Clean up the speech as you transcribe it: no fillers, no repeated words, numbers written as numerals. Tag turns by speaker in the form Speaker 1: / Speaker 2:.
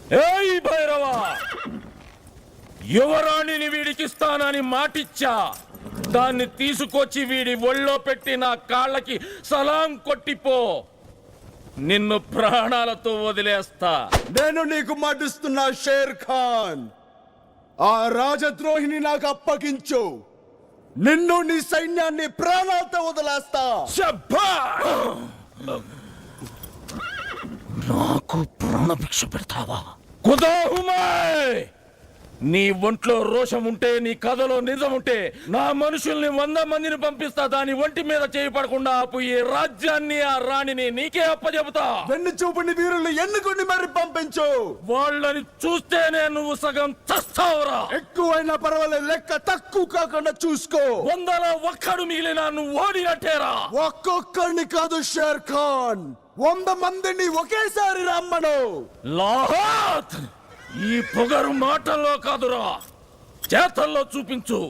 Speaker 1: ఏయ్ భైరవ, యువరాణిని వీడికిస్తానని మాటిచ్చా. దాన్ని తీసుకొచ్చి వీడి ఒళ్ళో పెట్టి నా కాళ్ళకి సలాం కొట్టిపో. నిన్ను ప్రాణాలతో వదిలేస్తా.
Speaker 2: నేను నీకు మాటిస్తున్నా షేర్ ఖాన్, ఆ రాజద్రోహిని నాకు అప్పగించు. నిన్ను నీ సైన్యాన్ని ప్రాణాలతో వదిలేస్తా.
Speaker 1: నాకు ప్రాణభిక్ష పెడతావా? కుదాహుమాయ్, నీ ఒంట్లో రోషం ఉంటే, నీ కథలో నిజం ఉంటే, నా మనుషుల్ని 100 మందిని పంపిస్తా. దాని ఒంటి మీద చేయి పడకుండా ఆపు. ఈ రాజ్యాన్ని, ఆ రాణిని నీకే అప్పచెబుతా.
Speaker 2: వెన్ను చూపుని వీరుల్ని ఎన్నుకొని మరి పంపించు.
Speaker 1: వాళ్ళని చూస్తేనే నువ్వు సగం చస్తావురా.
Speaker 2: ఎక్కువైనా పర్వాలేదు, లెక్క తక్కువ కాకుండా చూసుకో.
Speaker 1: 100లో ఒక్కడు మిగిలినా నువ్వు ఓడినట్టేరా.
Speaker 2: ఒక్కొక్కరిని కాదు షేర్ ఖాన్, 100 మందిని ఒకేసారి రమ్మను.
Speaker 1: లాహాత్, ఈ పొగరు మాటల్లో కాదురా, చేతల్లో చూపించు.